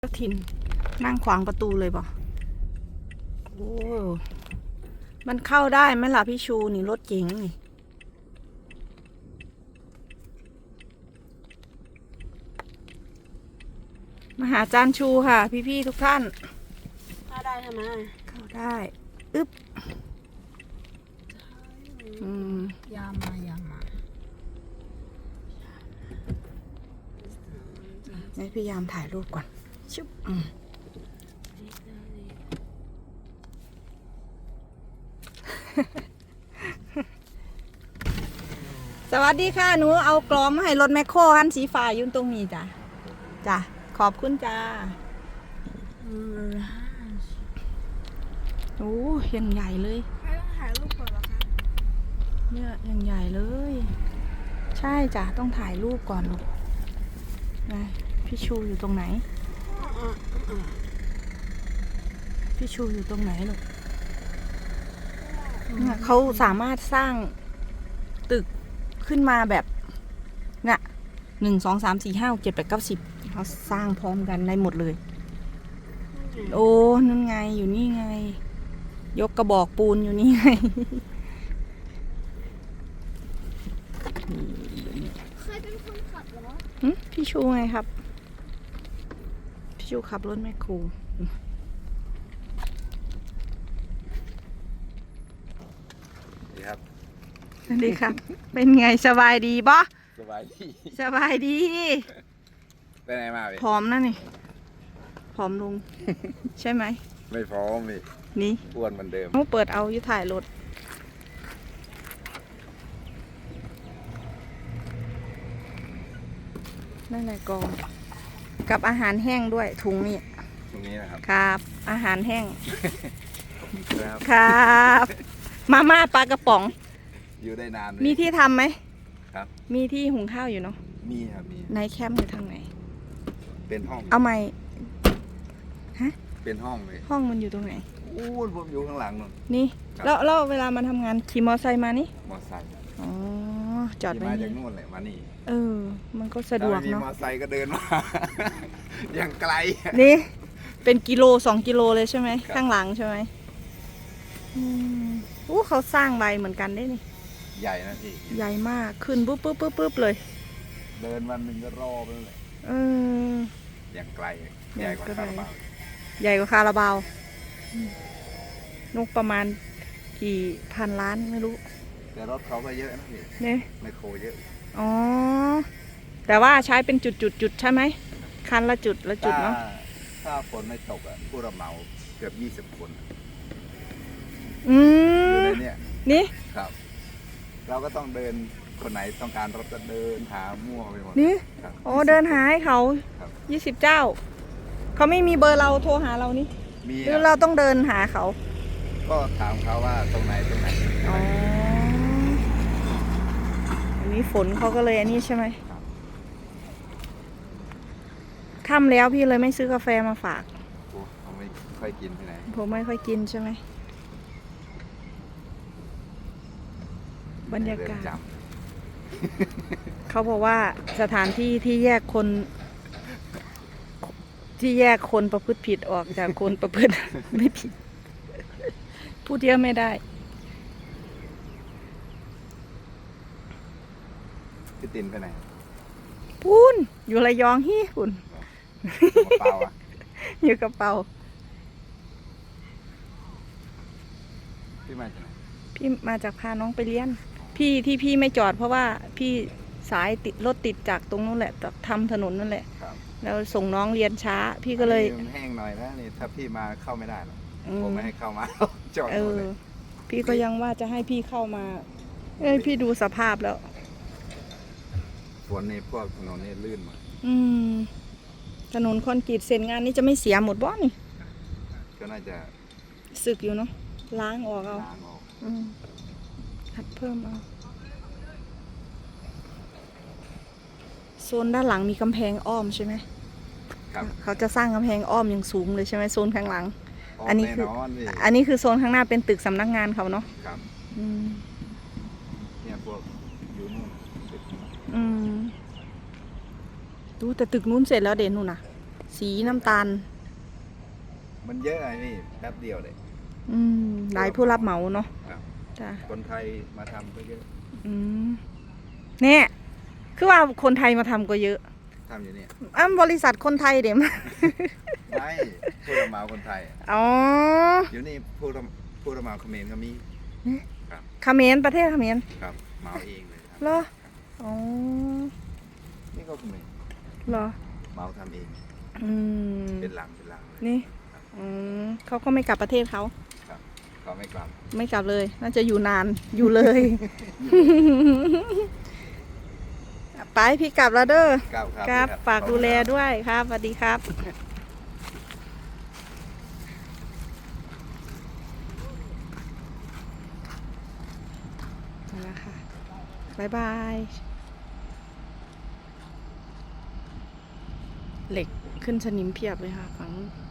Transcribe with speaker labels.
Speaker 1: เจ้าถิ่นนั่งขวางประตูเลยบ่โอ้มันเข้าได้ไหมล่ะพี่ชูนี่รถเก๋งนี่มาหาจานชูค่ะพี่ๆทุกท่าน
Speaker 2: เข้าได้ใช่ไหม
Speaker 1: เข้าได้อึ๊บ
Speaker 2: ยามมา
Speaker 1: ให้พยายามถ่ายรูปก่อนชุบสวัสดีค่ะหนูเอากลอมมาให้รถแมคโครคันสีฟ้าอยู่ตรงนี้จ้ะจ้ะขอบคุณจ้าโอ้ยังใหญ่เลย
Speaker 2: ไม่ต้องถ่ายรูปก่อนหรอคะ
Speaker 1: เนี่ยยังใหญ่เลยใช่จ้ะต้องถ่ายรูปก่อนลูกนะพี่ชูอยู่ตรงไหนพี่ชูอยู่ตรงไหนลูกเนี่ยเขาสามารถสร้างตึกขึ้นมาแบบเนี่ย1 2 3 4 5 6 7 8 9 10เขาสร้างพร้อมกันได้หมดเลยโอ้นั่นไงอยู่นี่ไงยกกระบอกปูนอยู่นี่ไง
Speaker 2: เคยเป็นคนขับเหรอ
Speaker 1: พี่ชูไงครับพี่ชูขับรถแมคโคร
Speaker 3: ครับ
Speaker 1: สวัสดีครับ เป็นไงสบายดีบ่
Speaker 3: สบายดี
Speaker 1: สบายดี
Speaker 3: ไปไหนมาพี่
Speaker 1: ผอมนะนี่ผอมลง ใช่ไหม
Speaker 3: ไม่พร้อมพี่
Speaker 1: นี่
Speaker 3: อ้วนเหมือนเดิม
Speaker 1: เขาเปิดเอาอยู่ถ่ายรถนั่นแหละกองกับอาหารแห้งด้วยถุงนี่
Speaker 3: ตรงนี้นะครับ
Speaker 1: ครับอาหารแห้ง
Speaker 3: ครับ
Speaker 1: ครับมาม่าปลากระป๋อง
Speaker 3: อยู่ได้นาน
Speaker 1: มีที่ทำไหม
Speaker 3: ครับ
Speaker 1: มีที่หุงข้าวอยู่เนาะ
Speaker 3: มีครับมี
Speaker 1: ในแคมป์อยู่ทางไหน
Speaker 3: เป็นห้อง
Speaker 1: เอาไหมฮะ
Speaker 3: เป็นห้องเลย
Speaker 1: ห้องมันอยู่ตรงไหน
Speaker 3: อู้ผมอยู่ข้างหลังนู่น
Speaker 1: นี่แล้วเวลามาทำงานขี่มอไซค์มานี่
Speaker 3: มอไซค์
Speaker 1: อ๋อจอดไว้
Speaker 3: มาจากนู่นเลยมานี่
Speaker 1: มันก็สะดวกเนาะ
Speaker 3: มอไซค์ก็เดินมา อย่างไกล
Speaker 1: นี่เป็นกิโล2 กิโลเลยใช่ไหมข้างหลังใช่ไหมเขาสร้างใบเหมือนกันได้นี่
Speaker 3: ใหญ่นะพี่
Speaker 1: ใหญ่มากขึ้นปุ๊บเลย
Speaker 3: เดินวันหนึ่งก็รอบไปเลยอย่างไกลใหญ่กว่าคาราบาว
Speaker 1: ใหญ่กว่าคาราบาวนุกประมาณกี่พันล้านไม่รู้
Speaker 3: แต่รถเขาก็เยอะนะพี่
Speaker 1: เนี่ย
Speaker 3: ไมโครเยอะ
Speaker 1: อ๋อแต่ว่าใช้เป็นจุดใช่ไหมคันละจุดเนาะ
Speaker 3: ถ้าฝนไม่ตกผู้รับเหมาเกือบ20 คน
Speaker 1: อยู่
Speaker 3: ในเนี่ย
Speaker 1: นี่
Speaker 3: ครับเราก็ต้องเดินคนไหนต้องการรถก็เดินหามั่วไปหมด
Speaker 1: นี่เดินหาให้เขา20 เจ้าเขาไม่มีเบอร์เราโทรหาเรานี่
Speaker 3: มี
Speaker 1: หรือเราต้องเดินหาเขา
Speaker 3: ก็ถามเขาว่าตรงไหน
Speaker 1: อันนี้ฝนเขาก็เลยอันนี้ใช่ไหมค่ำแล้วพี่เลยไม่ซื้อกาแฟมาฝาก
Speaker 3: ผมไม่ค่อยกินที่ไหน
Speaker 1: ผมไม่ค่อยกินใช่ไหมบรรยากาศเขาบอกว่าสถานที่ที่แยกคนประพฤติผิดออกจากคนประพฤติไม่ผิดพูดเยอะไม่ได้
Speaker 3: พี่ตินไปไหน
Speaker 1: พูนอยู่ระยองฮี่พูนอยู่กระเป๋า
Speaker 3: พี่มาจากไหน
Speaker 1: พี่มาจากพาน้องไปเรียนพี่ไม่จอดเพราะว่าพี่สายติดรถติดจากตรงนู้นแหละทำถนนนั่นแหละแล้วส่งน้องเรียนช้าพี่ก็เลย
Speaker 3: แห้งหน่อยนะนี่ถ้าพี่มาเข้าไม่ได้หรอกผมไม่ให้เข้ามาจอดเลย
Speaker 1: พี่ก็ยังว่าจะให้พี่เข้ามาพี่ดูสภาพแล้ว
Speaker 3: ฝนในพวกถนนนี่ลื่นหมด
Speaker 1: ถนนคอนกรีตเสร็จงานนี้จะไม่เสียหมดบ่นี่
Speaker 3: ก็น่าจะ
Speaker 1: สึกอยู่เนาะล้างออกเอาหัดเพิ่มเอาโซนด้านหลังมีกำแพงอ้อมใช่ไหม
Speaker 3: ครับ
Speaker 1: เขาจะสร้างกำแพงอ้อมอย่างสูงเลยใช่ไหมโซนข้างหลังอันนี้คือโซนข้างหน้าเป็นตึกสำนักงานเขาเนาะ
Speaker 3: ครับเนี่ยพวกอยู่นู่น
Speaker 1: ดูแต่ตึกนู้นเสร็จแล้วเด่นนู่นน่ะสีน้ำตาล
Speaker 3: มันเยอะไงพี่แป๊บเดียวเลย
Speaker 1: หลายผู้รับเหมาเนาะ
Speaker 3: ครับ
Speaker 1: จ้ะ
Speaker 3: คนไทยมาทำก็เยอะ
Speaker 1: เนี่ยคือว่าคนไทยมาทำก็เยอะ
Speaker 3: ทำอยู่เนี่ย
Speaker 1: บริษัทคนไทยเดี๋ยวมา
Speaker 3: ไม่ผู้รับเหมาคนไทย
Speaker 1: อ๋อ
Speaker 3: อยู่นี่ผู้รับเหมาเขมรก็มี
Speaker 1: เขมรประเทศเขมร
Speaker 3: ครับเหมาเองเลยครับ
Speaker 1: เหรออ๋อ
Speaker 3: นี่ก็เขมร
Speaker 1: เหรอ
Speaker 3: เหมาทำเอง
Speaker 1: อืม
Speaker 3: เป็นหลังเลย
Speaker 1: นี่เขาก็ไม่กลับประเทศเขา
Speaker 3: ครับเขาไม่กลับ
Speaker 1: ไม่กลับเลย น่าจะอยู่นานอยู่เลย ไปพี่กลับแล้วเด้อ
Speaker 3: ครับ
Speaker 1: ครับ
Speaker 3: พี่
Speaker 1: ฝากดูแลด้วยครับสวัสดีครับนั่นแหละค่ะบ๊ายบาย เหล็กขึ้นสนิมเพียบเลยค่ะฝั่งนู้น